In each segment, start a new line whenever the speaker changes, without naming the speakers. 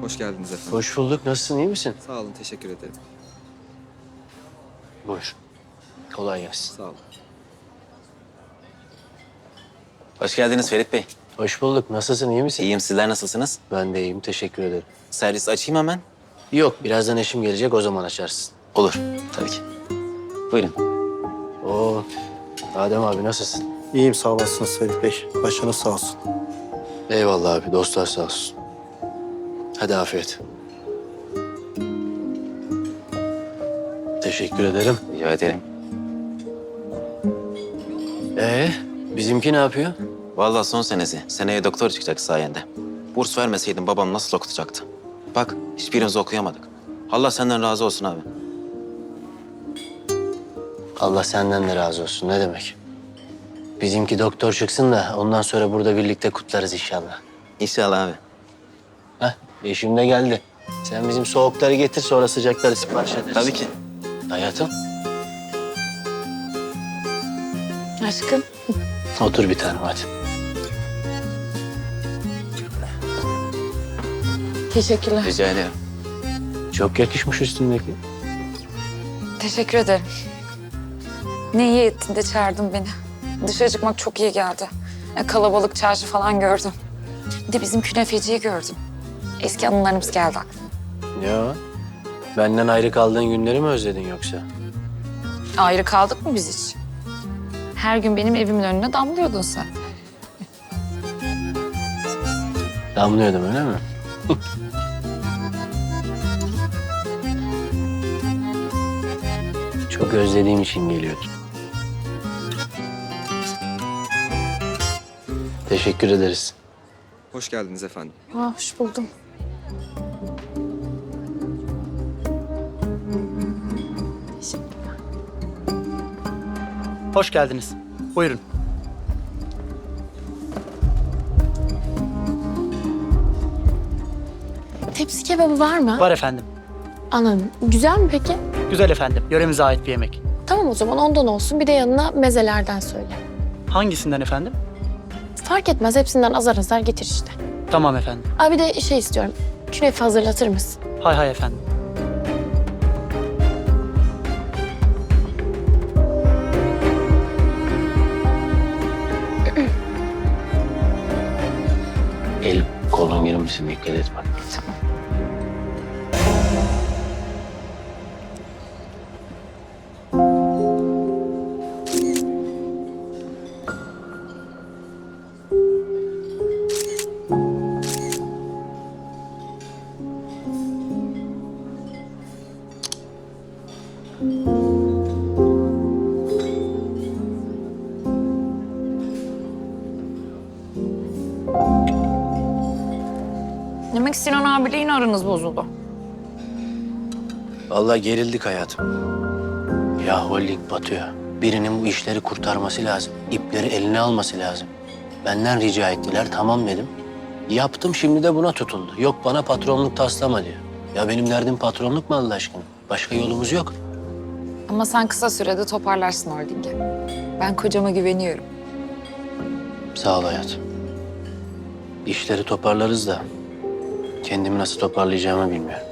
Hoş geldiniz efendim.
Hoş bulduk. Nasılsın? İyi misin?
Sağ olun, teşekkür ederim.
Buyur. Kolay gelsin.
Sağ olun.
Hoş geldiniz Ferit Bey.
Hoş bulduk. Nasılsın? İyi misin?
İyiyim, sizler nasılsınız?
Ben de iyiyim. Teşekkür ederim.
Servis açayım hemen.
Yok. Birazdan eşim gelecek. O zaman açarsın.
Olur, tabii ki. Buyurun.
Oo. Adem abi nasılsın?
İyiyim sağ olasınız Ferit Bey. Başınız sağ olsun.
Eyvallah abi. Dostlar sağ olsun. Hadi afiyet. Teşekkür ederim.
Rica ederim.
Bizimki ne yapıyor?
Vallahi son senesi. Seneye doktor çıkacak sayende. Burs vermeseydin babam nasıl okutacaktı? Bak, hiçbirimiz okuyamadık. Allah senden razı olsun abi.
Allah senden de razı olsun. Ne demek? Bizimki doktor çıksın da ondan sonra burada birlikte kutlarız inşallah.
İnşallah abi.
Heh, eşim de geldi. Sen bizim soğukları getir, sonra sıcakları sipariş ederiz.
Tabii ki.
Hayatım,
Aşkım.
otur bir tanem hadi.
Teşekkürler.
Rica ederim.
Çok yakışmış üstündeki.
Teşekkür ederim. Ne iyi ettin de çağırdın beni. Dışarı çıkmak çok iyi geldi. Kalabalık çarşı falan gördüm. Bir de bizim künefeciyi gördüm. Eski anılarımız geldi aklıma.
Ya, benden ayrı kaldığın günleri mi özledin yoksa?
Ayrı kaldık mı biz hiç? Her gün benim evimin önüne damlıyordun sen.
Damlıyordum öyle mi? Çok özlediğim için geliyordum. Teşekkür ederiz.
Hoş geldiniz efendim.
Hoş buldum.
Hoş geldiniz. Buyurun.
Tepsi kebabı var mı?
Var efendim.
Anladım. Güzel mi peki?
Güzel efendim. Yöremize ait bir yemek.
Tamam o zaman ondan olsun. Bir de yanına mezelerden söyle.
Hangisinden efendim?
Fark etmez. Hepsinden azar azar getir işte.
Tamam efendim.
Abi bir de şey istiyorum. Künefe hazırlatır mısın?
Hay hay efendim.
El kolun girmesin, dikkat et bak.
Demek Sinan abiyle yine aranız bozuldu.
Vallahi gerildik hayatım. Ya holding batıyor. Birinin bu işleri kurtarması lazım. İpleri eline alması lazım. Benden rica ettiler, tamam dedim. Yaptım, şimdi de buna tutuldu. Yok bana patronluk taslama diyor. Ya benim derdim patronluk mu Allah aşkına? Başka yolumuz yok.
Ama sen kısa sürede toparlarsın holdingi. Ben kocama güveniyorum.
Sağ ol hayatım. İşleri toparlarız da kendimi nasıl toparlayacağımı bilmiyorum.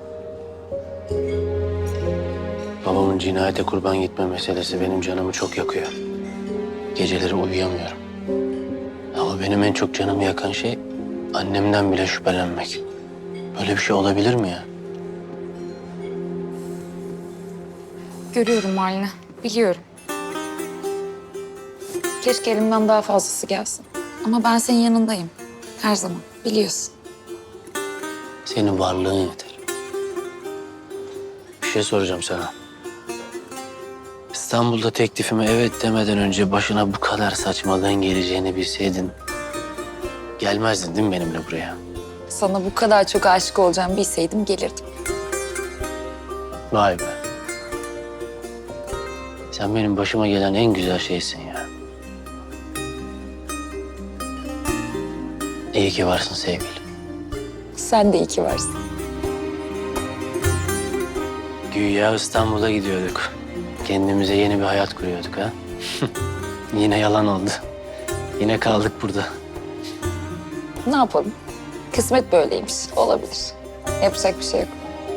Babamın cinayete kurban gitme meselesi benim canımı çok yakıyor. Geceleri uyuyamıyorum. Ama benim en çok canımı yakan şey annemden bile şüphelenmek. Böyle bir şey olabilir mi ya?
Görüyorum halini. Biliyorum. Keşke elimden daha fazlası gelsin. Ama ben senin yanındayım. Her zaman. Biliyorsun.
Senin varlığın yeter. Bir şey soracağım sana. İstanbul'da teklifime evet demeden önce başına bu kadar saçmalığın geleceğini bilseydin gelmezdin değil mi benimle buraya?
Sana bu kadar çok aşık olacağımı bilseydim gelirdim.
Vay be. Sen benim başıma gelen en güzel şeysin ya. İyi ki varsın sevgilim.
Sen de iyi ki varsın.
Güya İstanbul'a gidiyorduk. Kendimize yeni bir hayat kuruyorduk ha. Yine yalan oldu. Yine kaldık burada.
Ne yapalım? Kısmet böyleymiş. Olabilir. Yapacak bir şey yok.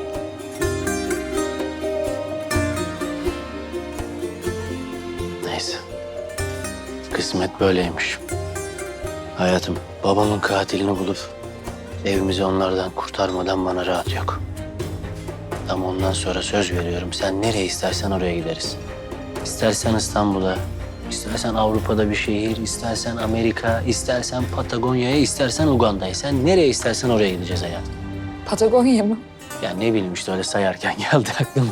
Neyse. Kısmet böyleymiş. Hayatım, babamın katilini bulup evimizi onlardan kurtarmadan bana rahat yok. Ama ondan sonra söz veriyorum. Sen nereye istersen oraya gideriz. İstersen İstanbul'a, istersen Avrupa'da bir şehir, istersen Amerika, istersen Patagonya'ya, istersen Uganda'ya. Sen nereye istersen oraya gideceğiz hayatım.
Patagonya mı?
Ya ne bileyim işte öyle sayarken geldi aklıma.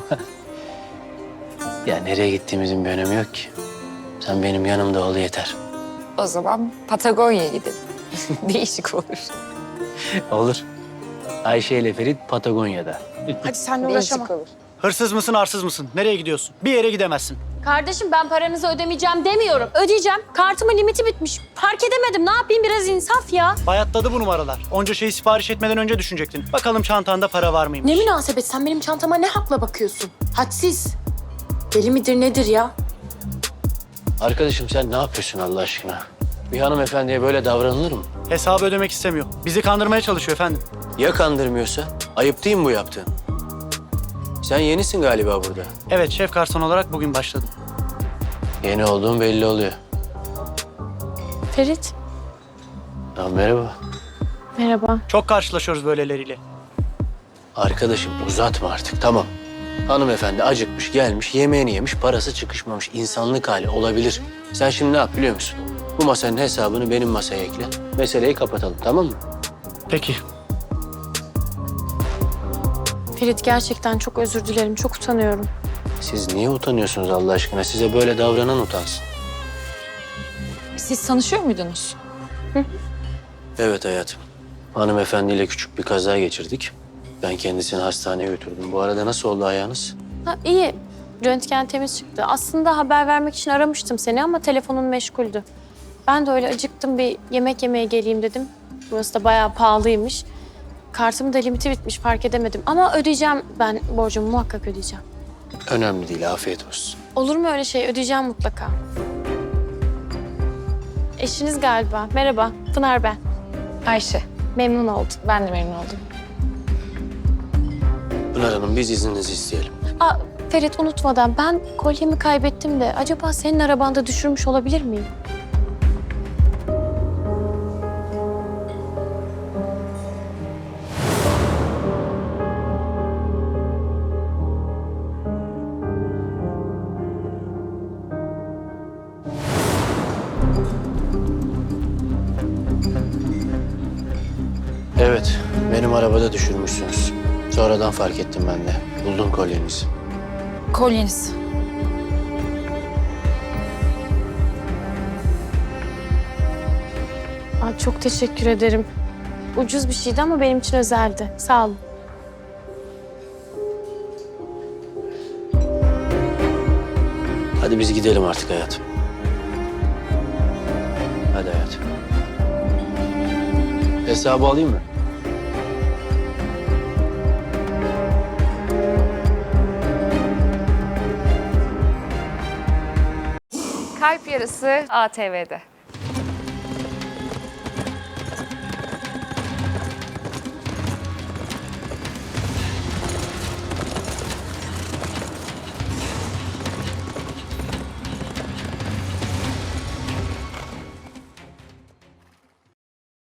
Ya nereye gittiğimizin bir önemi yok ki. Sen benim yanımda ol yeter.
O zaman Patagonya'ya gidelim. Değişik olur.
Olur. Ayşe ile Ferit Patagonya'da.
Hadi seninle
Değişik olur.
Hırsız mısın, arsız mısın? Nereye gidiyorsun? Bir yere gidemezsin.
Kardeşim ben paranızı ödemeyeceğim demiyorum. Ödeyeceğim. Kartımın limiti bitmiş. Fark edemedim. Ne yapayım, biraz insaf ya.
Bayatladı bu numaralar. Onca şeyi sipariş etmeden önce düşünecektin. Bakalım çantanda para var mıymış?
Ne münasebet, sen benim çantama ne hakla bakıyorsun? Hadsiz. Deli midir nedir ya?
Arkadaşım sen ne yapıyorsun Allah aşkına? Bir hanımefendiye böyle davranılır mı?
Hesabı ödemek istemiyor. Bizi kandırmaya çalışıyor efendim.
Ya kandırmıyorsa? Ayıp değil mi bu yaptığın? Sen yenisin galiba burada.
Evet, şef garson olarak bugün başladım.
Yeni olduğun belli oluyor.
Ferit.
Ya merhaba.
Merhaba.
Çok karşılaşıyoruz böyleleriyle.
Arkadaşım uzatma artık tamam. Hanımefendi acıkmış gelmiş yemeğini yemiş parası çıkışmamış insanlık hali olabilir. Sen şimdi ne yap biliyor musun? Bu masanın hesabını benim masaya ekle. Meseleyi kapatalım tamam mı?
Peki.
Ferit gerçekten çok özür dilerim. Çok utanıyorum.
Siz niye utanıyorsunuz Allah aşkına? Size böyle davranan utansın.
Siz tanışıyor muydunuz?
Evet hayatım. Hanımefendiyle küçük bir kaza geçirdik. Ben kendisini hastaneye götürdüm. Bu arada nasıl oldu ayağınız?
Ha, iyi. Röntgen temiz çıktı. Aslında haber vermek için aramıştım seni ama telefonun meşguldü. Ben de öyle acıktım, bir yemek yemeye geleyim dedim. Burası da bayağı pahalıymış. Kartımın da limiti bitmiş, fark edemedim. Ama ödeyeceğim, ben borcumu muhakkak ödeyeceğim.
Önemli değil afiyet olsun.
Olur mu öyle şey? Ödeyeceğim mutlaka. Eşiniz galiba. Merhaba, Pınar ben.
Ayşe.
Memnun oldum.
Ben de memnun oldum.
Pınar Hanım biz izninizi isteyelim.
Aa, Ferit unutmadan ben kolyemi kaybettim de acaba senin arabanda düşürmüş olabilir miyim?
Evet benim arabada düşürmüşsünüz. Sonradan fark ettim ben de. Buldum kolyenizi.
Kolyeniz.
Aa, çok teşekkür ederim. Ucuz bir şeydi ama benim için özeldi. Sağ olun.
Hadi biz gidelim artık hayatım. Hadi hayatım. Hesabı alayım mı?
Kalp Yarısı ATV'de.